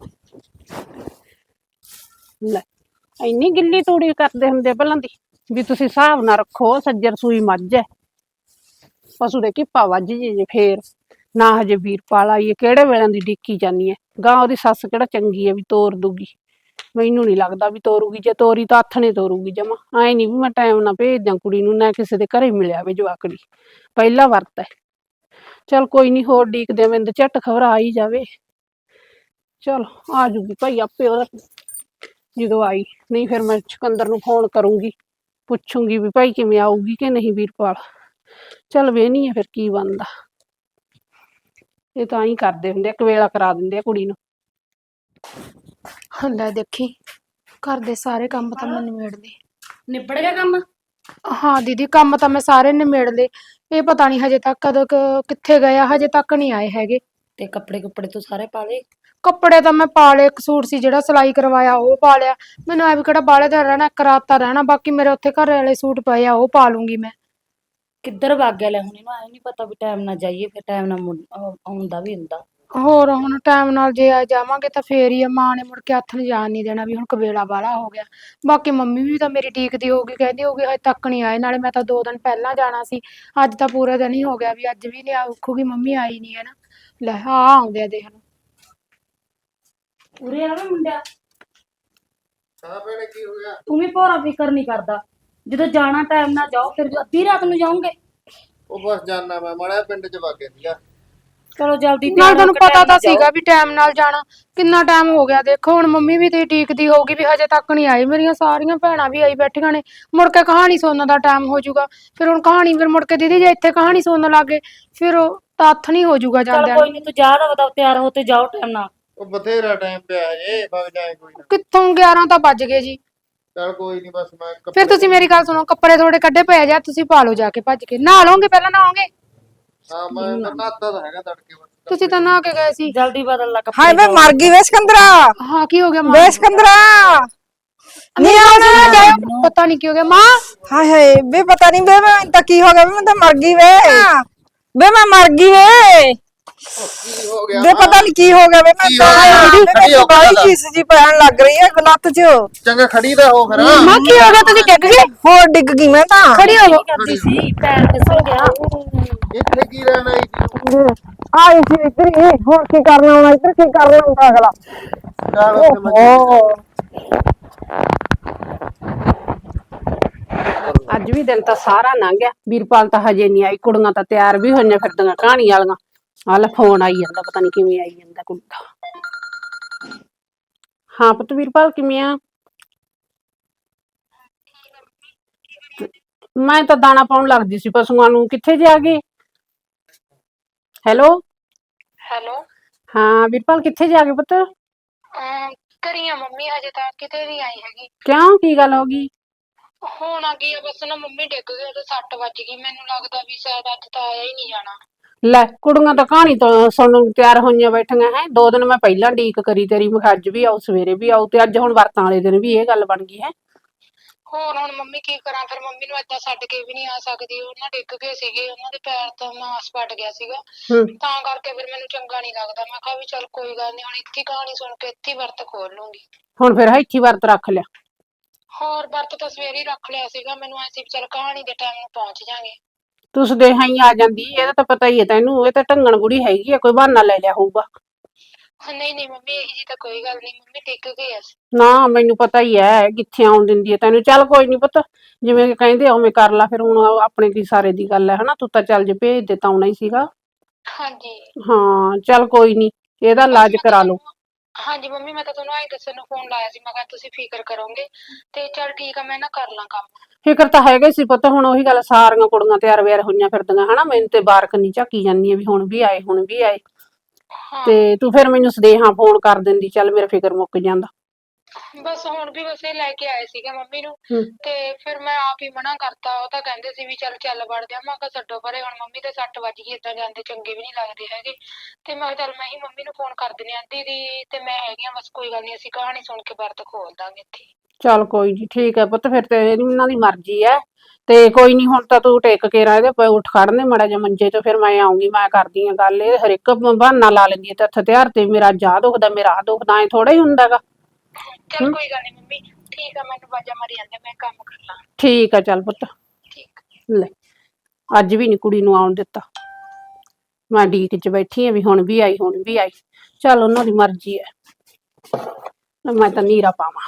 ਲੈ ਇੰਨੀ ਗਿੱਲੀ ਤੂੜੀ ਕਰਦੇ ਹੁੰਦੇ ਆ ਪਹਿਲਾਂ ਦੀ ਵੀ ਤੁਸੀਂ ਹਿਸਾਬ ਨਾ ਰੱਖੋ, ਸੱਜਰ ਸੂਈ ਮੱਝ ਐ, ਪਸ਼ੂ ਦੇ ਘਿੱਪਾ ਵੱਜ ਜੇ ਫੇਰ ਨਾ। ਹਜੇ ਵੀਰਪਾਲ ਆਈ ਐ, ਕਿਹੜੇ ਵੇਲੇ ਦੀ ਡਿੱਕੀ ਜਾਨੀ ਐ, ਗਾਂ ਉਹਦੀ ਸੱਸ ਕਿਹੜਾ ਚੰਗੀ ਐ ਵੀ ਤੋਰ ਦੂਗੀ, ਮੈਨੂੰ ਨਹੀਂ ਲੱਗਦਾ ਵੀ ਤੋਰੂਗੀ, ਜੇ ਤੋਰੀ ਤਾਂ ਹੱਥ ਨੇ ਤੋਰੂਗੀ ਜਮਾ। ਐ ਨਹੀਂ ਵੀ ਮੈਂ ਟਾਈਮ ਨਾਲ ਭੇਜ ਦਿਆਂ ਕੁੜੀ ਨੂੰ, ਨਾ ਕਿਸੇ ਦੇ ਘਰੇ ਮਿਲਿਆ ਵੇ ਜਵਾਕੜੀ, ਪਹਿਲਾ ਵਰਤ ਐ। ਚਲ ਕੋਈ ਨਹੀਂ, ਹੋਰ ਡੀਕਦੇ ਆ, ਮੈਨੂੰ ਝੱਟ ਖਬਰ ਆ ਹੀ ਜਾਵੇ। ਚਲ ਆ ਜੂਗੀ ਭਾਈ ਆਪੇ ਉਹਦਾ ਜਦੋਂ ਆਈ, ਨਹੀਂ ਫਿਰ ਮੈਂ ਸਿਕੰਦਰ ਨੂੰ ਫੋਨ ਕਰੂੰਗੀ, ਪੁੱਛੂੰਗੀ ਵੀ ਭਾਈ ਕਿਵੇਂ ਆਊਗੀ ਕਿ ਨਹੀਂ ਵੀਰਪਾਲ। ਚੱਲ ਵੇਹਨੀ ਆ ਫਿਰ ਕੀ ਬਣਦਾ, ਇਹ ਤਾਂ ਹੀ ਕਰਦੇ ਹੁੰਦੇ ਆ, ਕਵੇਲਾ ਕਰਾ ਦਿੰਦੇ ਆ ਕੁੜੀ ਨੂੰ। ਲੈ ਦੇਖੀ ਘਰ ਦੇ ਸਾਰੇ ਕੰਮ ਤਾਂ ਮੈਂ ਨਿਬੇੜ ਲਏ। ਨਿਬੜ ਗਿਆ ਕੰਮ? ਹਾਂ ਦੀਦੀ ਕੰਮ ਤਾਂ ਮੈਂ ਸਾਰੇ ਨਿਬੇੜ ਲਏ, ਇਹ ਪਤਾ ਨਹੀਂ ਹਜੇ ਤੱਕ ਕਦੋਂ ਕਿੱਥੇ ਗਏ ਆ, ਹਜੇ ਤੱਕ ਨਹੀਂ ਆਏ ਹੈਗੇ। ਤੇ ਕੱਪੜੇ ਕੁੱਪੜੇ ਤੂੰ ਸਾਰੇ ਪਾ ਲਏ? ਕੱਪੜੇ ਤਾਂ ਮੈਂ ਪਾ ਲਏ, ਇੱਕ ਸੂਟ ਸੀ ਜਿਹੜਾ ਸਿਲਾਈ ਕਰਵਾਇਆ ਉਹ ਪਾ ਲਿਆ, ਮੈਨੂੰ ਐ ਵੀ ਕਿਹੜਾ ਬਾਹਲੇ ਦਿਨ ਰਹਿਣਾ, ਇੱਕ ਰਾਤ ਤਾਂ ਰਹਿਣਾ, ਬਾਕੀ ਮੇਰੇ ਉੱਥੇ ਘਰ ਵਾਲੇ ਸੂਟ ਪਏ ਆ ਉਹ ਪਾ ਲੂੰਗੀ ਮੈਂ। ਕਿੱਧਰ ਵਗ ਗਿਆ ਲੈ, ਹੁਣ ਇਹਨੂੰ ਐ ਨਹੀਂ ਪਤਾ ਵੀ ਟਾਈਮ ਨਾਲ ਜਾਈਏ, ਫਿਰ ਟਾਈਮ ਨਾਲ ਆਉਂਦਾ ਵੀ ਹੁੰਦਾ। ਹੋਰ ਹੁਣ ਟਾਈਮ ਨਾਲ ਜੇ ਆ ਜਾਵਾਂਗੇ ਤਾਂ ਫੇਰ ਹੀ ਆ, ਮਾਂ ਨੇ ਮੁੜ ਕੇ ਹੱਥ ਨੂੰ ਜਾਣ ਨਹੀਂ ਦੇਣਾ ਵੀ ਹੁਣ ਕਵੇਲਾ ਵਾਲਾ ਹੋ ਗਿਆ। ਬਾਕੀ ਮੰਮੀ ਵੀ ਤਾਂ ਮੇਰੀ ਡੀਕਦੀ ਹੋਊਗੀ, ਕਹਿੰਦੀ ਹੋਊਗੀ ਹਜੇ ਤੱਕ ਨਹੀਂ ਆਏ, ਨਾਲੇ ਮੈਂ ਤਾਂ 2 ਦਿਨ ਪਹਿਲਾਂ ਜਾਣਾ ਸੀ, ਅੱਜ ਤਾਂ ਪੂਰਾ ਦਿਨ ਹੀ ਹੋ ਗਿਆ ਵੀ ਅੱਜ ਵੀ ਨਹੀਂ ਆਖੂਗੀ ਮੰਮੀ ਆਈ ਨਹੀਂ ਹੈ ਨਾ। ਲੈ ਆ ਆਉਂਦੇ ਆ ਦੇਖ ਲਓ। ਉਰੇ ਆਵੇ ਮੁੰਡਿਆ, ਹਾਂ ਭੈਣੇ ਕੀ ਹੋ ਗਿਆ? ਤੂੰ ਵੀ ਭੋਰਾ ਫਿਕਰ ਨਹੀਂ ਕਰਦਾ, ਜਦੋਂ ਜਾਣਾ ਟਾਈਮ ਨਾਲ ਜਾਓ, ਫਿਰ ਅੱਧੀ ਰਾਤ ਨੂੰ ਜਾਓਗੇ। ਉਹ ਬਸ ਜਾਨਾ ਮੈਂ ਮਾੜਾ ਪਿੰਡ ਚ ਵਗ ਗਈ ਆ। ਚਲੋ ਜਲਦੀ ਨਾਲ ਤਿਆਰ ਹੋ ਤੁਹਾਨੂੰ ਕੇ ਪਤਾ time ਤਾਂ ਨਾਲ ਜਾਓ। ਸੀਗਾ ਵੀ ਟਾਈਮ ਨਾਲ ਜਾਣਾ, ਕਿੰਨਾ ਟਾਈਮ ਹੋ ਗਿਆ ਦੇਖੋ, ਹੁਣ ਮੰਮੀ ਵੀ ਤੇ ਡੀਕਦੀ ਹੋਊਗੀ ਵੀ ਹਜੇ ਤੱਕ ਨਹੀਂ ਆਈ, ਮੇਰੀਆਂ ਸਾਰੀਆਂ ਭੈਣਾਂ ਵੀ ਆਈ ਬੈਠੀਆਂ ਨੇ, ਮੁੜ ਕੇ ਕਹਾਣੀ ਸੁਣਨ ਦਾ ਟਾਈਮ ਹੋ ਜਾਊਗਾ, ਫਿਰ ਹੁਣ ਕਹਾਣੀ ਫਿਰ ਮੁੜ ਕੇ ਦੀਦੀ ਜੇ ਇੱਥੇ ਕਹਾਣੀ ਸੁਣਨ ਲੱਗੇ ਫਿਰ ਉਹ ਤਾਂ ਹੱਥ ਨਹੀਂ ਹੋ ਜਾਊਗਾ ਚਲ ਜਾਂਦਿਆਂ ਕੋਈ ਨੂੰ। ਨਹੀਂ, ਤੂੰ ਜਾ ਦਾ ਬਤਾ, ਤਿਆਰ ਹੋ ਤੇ ਜਾਓ ਟਾਈਮ ਨਾਲ। ਉਹ ਬਥੇਰਾ ਟਾਈਮ ਪਿਆ ਹਜੇ, ਵਗ ਜਾਏ ਕੋਈ ਨਾ। ਕਿੱਥੋਂ 11 ਤਾਂ ਵੱਜ ਗਏ ਜੀ। ਚੱਲ ਕੋਈ ਨਹੀਂ, ਬਸ ਮੈਂ ਫਿਰ ਤੁਸੀਂ ਮੇਰੀ ਗੱਲ ਸੁਣੋ, ਕੱਪੜੇ ਥੋੜੇ ਕੱਢੇ ਪਏ ਜਾ, ਤੁਸੀਂ ਪਾ ਲਓ ਜਾ ਕੇ ਭੱਜ ਕੇ, ਨਹਾ ਲਓਗੇ ਪਹਿਲਾਂ ਨਹਾਓਗੇ? ਹਾਂ ਮੈਂ ਨਹਾਤਾ ਤਾਂ ਹੈਗਾ ਤੜਕੇ ਬਸ। ਤੁਸੀਂ ਤਾਂ ਨਹਾ ਕੇ ਗਏ ਸੀ। ਜਲਦੀ ਬਦਲ ਲਾ ਕੱਪੜੇ। ਹਾਏ ਵੇ ਮਰ ਗਈ ਵੇ ਸਿਕੰਦਰਾ, ਹਾਂ ਕੀ ਹੋ ਗਿਆ ਮਾਂ? ਵੇ ਸਿਕੰਦਰਾ ਨਹੀਂ ਆਉਣਾ ਜਾਇਓ, ਪਤਾ ਨਹੀਂ ਕੀ ਹੋ ਗਿਆ ਮਾਂ। ਹਾਏ ਹਾਏ ਵੇ ਪਤਾ ਨਹੀਂ ਵੇ ਮੈਂ ਤਾਂ ਕੀ ਹੋ ਗਿਆ, ਵੇ ਮੈਂ ਤਾਂ ਮਰ ਗਈ ਵੇ, ਵੇ ਮੈਂ ਮਰ ਗਈ ਵੇ, ਕੀ ਹੋ ਗਿਆ? ਵੇ ਪਤਾ ਨਹੀਂ ਕੀ ਹੋ ਗਿਆ ਵੇ, ਮੈਂ ਕੀ ਤਾਂ ਹੋ ਗਿਆ? ਖੜੀ ਹੋ ਕੇ ਬਾਈ ਦੱਸ। ਚੀਸ ਜੀ ਪੈਣ ਲੱਗ ਰਹੀ ਹੈ ਲੱਤ 'ਚ। ਚੰਗਾ ਖੜੀ ਦਾ ਹੋ ਫਿਰ। ਮਾਂ ਕੀ ਹੋ ਗਿਆ, ਤੁਸੀਂ ਡਿੱਗ ਗਏ? ਹੋਰ ਡਿੱਗ ਗਈ ਮੈਂ ਤਾਂ। ਖੜੀ ਹੋ ਕਰਦੀ ਸੀ, ਪੈਰ ਫਿਸਲ ਗਿਆ। ਇੱਥੇ ਕੀ ਰਹਿਣਾ ਆਈ ਸੀ? ਆਈ ਸੀ ਇੱਧਰ ਹੀ, ਹੋਰ ਕੀ ਕਰਨਾ ਹੁਣ, ਇੱਧਰ ਕੀ ਕਰਨਾ ਹੁੰਦਾ ਅਗਲਾ। ਚੱਲ ਉੱਥੇ ਮੈਂ ਓਹ ਅੱਜ ਵੀ ਦਿਨ ਤਾਂ ਸਾਰਾ ਲੰਘ ਗਿਆ, ਵੀਰਪਾਲ ਤਾਂ ਹਜੇ ਨਹੀਂ ਆਈ, ਕੁੜੀਆਂ ਤਾਂ ਤਿਆਰ ਵੀ ਹੋਈਆਂ ਫਿਰਦੀਆਂ ਕਹਾਣੀ ਵਾਲੀਆਂ। ਆਹ ਲੈ ਫੋਨ ਆਈ ਜਾਂਦਾ, ਪਤਾ ਨਹੀਂ ਕਿਵੇਂ ਆਈ ਜਾਂਦਾ ਕੁੜੀ ਦਾ। ਹਾਂ ਪੁੱਤ ਵੀਰਪਾਲ ਕਿਵੇਂ ਆ? ਮੈਂ ਤਾਂ ਦਾਣਾ ਪਾਉਣ ਲੱਗਦੀ ਸੀ ਪਸ਼ੂਆਂ ਨੂੰ, ਕਿੱਥੇ ਜੇ ਆ ਗਏ? Hello hello. ਹਾਂ ਵੀਰਪਾਲ ਕਿੱਥੇ ਜਾ ਗਏ ਪੁੱਤ? ਕਰੀਆਂ ਮੰਮੀ, ਹਜੇ ਤਾਂ ਕਿਤੇ ਨਹੀਂ ਆਈ ਹੈਗੀ। ਕਿਉਂ ਕੀ ਗੱਲ ਹੋ ਗਈ? ਹੋਣਾ ਕੀ ਆ, ਬਸ ਨਾ ਮੰਮੀ ਡਿੱਗ ਗਏ ਤੇ 6 ਵੱਜ ਗਈ, ਮੈਨੂੰ ਲੱਗਦਾ ਵੀ ਸ਼ਾਇਦ ਅੱਜ ਤਾਂ ਆਇਆ ਹੀ ਨਹੀਂ ਜਾਣਾ। ਲੈ ਕੁੜੀਆਂ ਤਾਂ ਕਹਾਣੀ ਤੋਂ ਸੁਣਨ ਤਿਆਰ ਹੋਈਆਂ ਬੈਠੀਆਂ ਹੈ, 2 ਦਿਨ ਮੈਂ ਪਹਿਲਾਂ ਡੀਕ ਕਰੀ ਤੇਰੀ, ਮੈਂ ਅੱਜ ਵੀ ਆਉ ਸਵੇਰੇ ਵੀ ਆਉ, ਤੇ ਅੱਜ ਹੁਣ ਵਰਤਾਂ ਵਾਲੇ ਦਿਨ ਵੀ ਇਹ ਗੱਲ ਬਣ ਗਈ ਹੈ। ਹੋਰ ਹੁਣ ਮੰਮੀ ਕੀ ਕਰਾਂ, ਫਿਰ ਮੰਮੀ ਨੂੰ ਏਦਾਂ ਛੱਡ ਕੇ ਵੀ ਨਹੀਂ ਆ ਸਕਦੀ, ਉਹਨਾਂ ਡਿੱਗ ਗਏ ਸੀਗੇ, ਉਹਨਾਂ ਦੇ ਪੈਰ ਤੋਂ ਮਾਸ ਪਟ ਗਿਆ ਸੀਗਾ, ਤਾਂ ਕਰਕੇ ਫਿਰ ਮੈਨੂੰ ਚੰਗਾ ਨਹੀਂ ਲੱਗਦਾ। ਮੈਂ ਕਿਹਾ ਵੀ ਚੱਲ ਕੋਈ ਗੱਲ ਨਹੀਂ, ਹੁਣ ਇੱਥੇ ਹੀ ਕਹਾਣੀ ਸੁਣ ਕੇ ਇੱਥੇ ਹੀ ਵਰਤ ਖੋਲ ਲੂੰਗੀ। ਹੁਣ ਫਿਰ ਇੱਥੇ ਵਰਤ ਰੱਖ ਲਿਆ? ਹੋਰ ਵਰਤ ਤਾਂ ਸਵੇਰੇ ਹੀ ਰੱਖ ਲਿਆ ਸੀਗਾ, ਮੈਨੂੰ ਐਸੀ ਵੀ ਚੱਲ ਕਹਾਣੀ ਦੇ ਟਾਈਮ ਨੂੰ ਪਹੁੰਚ ਜਾਾਂਗੇ। ਤੂੰ ਸਦੇਹਾ ਹੀ ਆ ਜਾਂਦੀ, ਇਹਦਾ ਤਾਂ ਪਤਾ ਹੀ ਹੈ ਤੈਨੂੰ, ਇਹ ਤਾਂ ਢੰਗਣ ਬੁੜੀ ਹੈਗੀ ਆ, ਕੋਈ ਬਹਾਨਾ ਲੈ ਲਿਆ ਹੋਊਗਾ। ਨਹੀਂ ਨਹੀਂ ਮੰਮੀ, ਇਹੀ ਜੀ ਤਾਂ ਕੋਈ ਗੱਲ ਨਹੀਂ, ਮੰਮੀ ਡਿੱਗ ਗਏ ਆ। ਨਾ ਮੈਨੂੰ ਪਤਾ ਹੀ ਹੈ, ਕਿੱਥੇ ਆਉਣ ਦਿੰਦੀ ਹੈ ਤੈਨੂੰ। ਚੱਲ ਕੋਈ ਨੀ ਪੁੱਤ, ਜਿਵੇਂ ਕਹਿੰਦੇ ਉਵੇਂ ਕਰ ਲਾ ਫਿਰ, ਹੁਣ ਆਪਣੇ ਕੀ ਸਾਰੇ ਦੀ ਗੱਲ ਹੈ ਹਨਾ, ਤੂੰ ਤਾਂ ਚੱਲ ਜੇ ਭੇਜ ਦੇ ਤਾਂ ਆਉਣਾ ਹੀ ਸੀਗਾ। ਹਾਂਜੀ ਹਾਂ ਚੱਲ ਕੋਈ ਨੀ, ਇਹਦਾ ਇਲਾਜ ਕਰਾ ਲਓ। ਹਾਂਜੀ ਮੰਮੀ, ਮੈਂ ਤਾਂ ਤੁਹਾਨੂੰ ਆਈ ਦੱਸਣ ਨੂੰ ਫੋਨ ਲਾਇਆ ਸੀ, ਮੈਂ ਕਿਹਾ ਤੁਸੀਂ ਫਿਕਰ ਕਰੋਗੇ ਤੇ ਚੱਲ ਠੀਕ ਆ, ਮੈਂ ਨਾ ਕਰ ਲਾਂ ਕੰਮ। ਫਿਕਰ ਤਾਂ ਹੈਗਾ ਹੀ ਸੀ ਪੁੱਤ, ਹੁਣ ਉਹੀ ਗੱਲ, ਸਾਰੀਆਂ ਕੁੜੀਆਂ ਤਿਆਰ ਵਿਆਰ ਹੋਈਆਂ ਫਿਰਦੀਆਂ ਹਨਾ, ਮੈਨੂੰ ਤੇ ਬਾਰਕ ਨਹੀਂ ਝਾਕੀ ਜਾਂਦੀ ਵੀ ਹੁਣ ਵੀ ਆਏ ਹੁਣ ਵੀ ਆਏ। ਹਾਂ ਤੇ ਤੂੰ ਫਿਰ ਮੈਨੂੰ ਸਦੇਹਾ ਫੋਨ ਕਰ ਦਿੰਦੀ, ਚੱਲ ਮੇਰਾ ਫਿਕਰ ਮੁੱਕ ਜਾਂਦਾ। ਬਸ ਹੁਣ ਵੀ ਬਸ ਇਹ ਲੈ ਕੇ ਆਏ ਸੀਗੇ ਮੰਮੀ ਨੂੰ ਹੂੰ। ਤੇ ਫਿਰ ਮੈਂ ਆਪ ਹੀ ਮਨਾ ਕਰਤਾ। ਉਹ ਤਾਂ ਕਹਿੰਦੇ ਸੀ ਵੀ ਚੱਲ ਵੜਦੇ ਆ। ਮੈਂ ਕਿਹਾ ਛੱਡੋ ਪਰੇ, ਹੁਣ ਮੰਮੀ ਦੇ ਸੱਟ ਵੱਜ ਗਈ, ਏਦਾਂ ਜਾਂਦੇ ਚੰਗੇ ਵੀ ਨਹੀਂ ਲੱਗਦੇ ਹੈਗੇ। ਤੇ ਮੈਂ ਕਿਹਾ ਚੱਲ ਮੈਂ ਹੀ ਮੰਮੀ ਨੂੰ ਫੋਨ ਕਰ ਦਿੰਦੀ ਆ। ਦੀਦੀ ਤੇ ਮੈਂ ਹੈਗੀ ਆ, ਬਸ ਕੋਈ ਗੱਲ ਨਹੀਂ, ਅਸੀਂ ਕਹਾਣੀ ਸੁਣ ਕੇ ਵਰਤ ਖੋਲ ਦਾਂਗੇ ਇੱਥੇ। ਚੱਲ ਕੋਈ ਨੀ, ਠੀਕ ਹੈ ਪੁੱਤ, ਫਿਰ ਤੇ ਇਹਨਾਂ ਦੀ ਮਰਜ਼ੀ ਹੈ। ਤੇ ਕੋਈ ਨਹੀਂ, ਹੁਣ ਤਾਂ ਤੂੰ ਟਿਕ ਕੇ ਰਹਿ, ਇਹਦੇ ਉੱਠ ਖੜਨੇ ਮਾੜਾ ਜਿਹਾ ਮੰਜੇ ਤੋਂ, ਫਿਰ ਮੈਂ ਆਉਂਗੀ, ਮੈਂ ਕਰਦੀ ਆ ਗੱਲ। ਇਹ ਹਰ ਇੱਕ ਬਹਾਨਾ ਲਾ ਲੈਂਦੀ ਹੈ ਤੇ ਹਥਿਆਰ ਤੇ, ਮੇਰਾ ਅੱਜ ਆਹ ਦੁਖਦਾ, ਮੇਰਾ ਆਹ ਦੁਖਦਾ, ਐ ਥੋੜਾ ਹੀ ਹੁੰਦਾ ਗਾ। ਚੱਲ ਕੋਈ ਗੱਲ ਨਹੀਂ ਮੰਮੀ, ਠੀਕ ਆ, ਮੈਨੂੰ ਬਾਜਾ ਮਾਰੀ ਜਾਂਦੇ, ਮੈਂ ਕੰਮ ਕਰ ਲਾਂ। ਠੀਕ ਆ, ਚੱਲ ਪੁੱਤ। ਠੀਕ। ਲੈ, ਅੱਜ ਵੀ ਨੀ ਕੁੜੀ ਨੂੰ ਆਉਣ ਦਿੱਤਾ। ਮੈਂ ਡੀਕ ਚ ਬੈਠੀ ਆ ਵੀ ਹੁਣ ਵੀ ਆਈ, ਹੁਣ ਵੀ ਆਈ। ਚੱਲ ਉਹਨਾਂ ਦੀ ਮਰਜ਼ੀ ਹੈ, ਮੈਂ ਤਾਂ ਨੀਰਾ ਪਾਵਾਂ।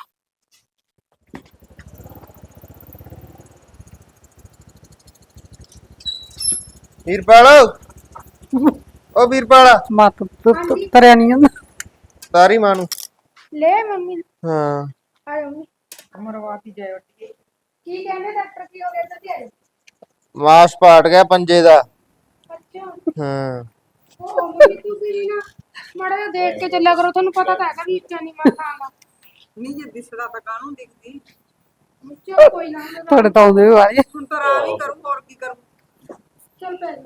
ਵੀਰਪਾਲ, ਓ ਵੀਰਪਾਲ, ਮਤ ਤਰਿਆ ਨਹੀਂ ਜਾਂਦਾ। ਤਾਰੀ ਮਾਂ ਨੂੰ। ਲੈ ਮੰਮੀ ਹਾਂ ਆ ਮੰਮੀ। ਮਰਵਾਤੀ ਜਾਏ ਉੱਠ ਕੀ ਕਹਿੰਦੇ ਡਾਕਟਰ, ਕੀ ਹੋ ਗਿਆ ਤੇ ਆਏ? ਮਾਸ ਪਾਟ ਗਿਆ ਪੰਜੇ ਦਾ। ਅੱਛਾ। ਹਾਂ ਉਹ ਮੰਮੀ ਤੁਸੀਂ ਵੀ ਨਾ ਮਾੜਾ ਜਿਹਾ ਦੇਖ ਕੇ ਚੱਲਿਆ ਕਰੋ, ਤੁਹਾਨੂੰ ਪਤਾ ਤਾਂ ਹੈਗਾ ਵੀ ਇੱਚਾ ਨਹੀਂ ਮੈਂ ਖਾਂਦਾ। ਨਹੀਂ ਜੇ ਦਿਸਦਾ ਤਾਂ ਕਾਹਨੂੰ ਦਿਖਦੀ। ਚਲ ਕੋਈ ਨਾ ਤੁਹਾਡੇ ਤਾਂ ਆਉਂਦੇ ਵਾਲੇ ਹੁਣ ਤਾਂ ਆਰਾਮ ਹੀ ਕਰੂ, ਹੋਰ ਕੀ ਕਰੂ। ਚਲ ਪੈ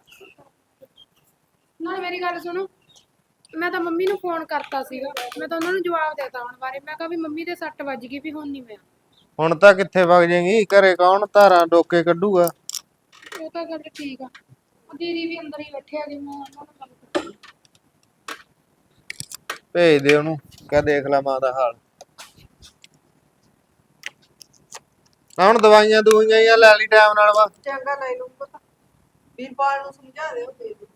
ਨਾ, ਮੇਰੀ ਗੱਲ ਸੁਣੋ। ਮੈਂ ਤਾਂ ਮੰਮੀ ਨੂੰ ਫੋਨ ਕਰਤਾ ਸੀਗਾ, ਮੈਂ ਤਾਂ ਉਹਨਾਂ ਨੂੰ ਜਵਾਬ ਦੇਤਾ ਹੁਣ ਬਾਰੇ। ਮੈਂ ਕਿਹਾ ਵੀ ਮੰਮੀ ਦੇ ਸੱਟ ਵੱਜ ਗਈ, ਵੀ ਹੁਣ ਨਹੀਂ ਮੈਂ। ਹੁਣ ਤਾਂ ਕਿੱਥੇ ਵਗ ਜਾਏਗੀ, ਘਰੇ ਕੌਣ ਧਾਰਾਂ ਡੋਕੇ ਕੱਢੂਗਾ। ਉਹ ਤਾਂ ਗੱਲ ਠੀਕ ਆ। ਦੀਦੀ ਵੀ ਅੰਦਰ ਹੀ ਬੈਠੇ ਆ, ਜੀ ਮੈਂ ਉਹਨਾਂ ਨੂੰ ਗੱਲ ਕਰਦੀ। ਭੇਜ ਦੇ ਉਹਨੂੰ, ਕਹਿ ਦੇਖ ਲੈ ਮਾਂ ਦਾ ਹਾਲ। ਹੁਣ ਦਵਾਈਆਂ ਦੂਈਆਂ ਜਾਂ ਲੈ ਲਈ ਟਾਈਮ ਨਾਲ ਵਾ। ਚੰਗਾ ਲੈ ਲੂੰ ਪਤਾ। ਵੀਰਪਾਲ ਨੂੰ ਸਮਝਾ ਦਿਓ ਦੇ ਦਿਓ।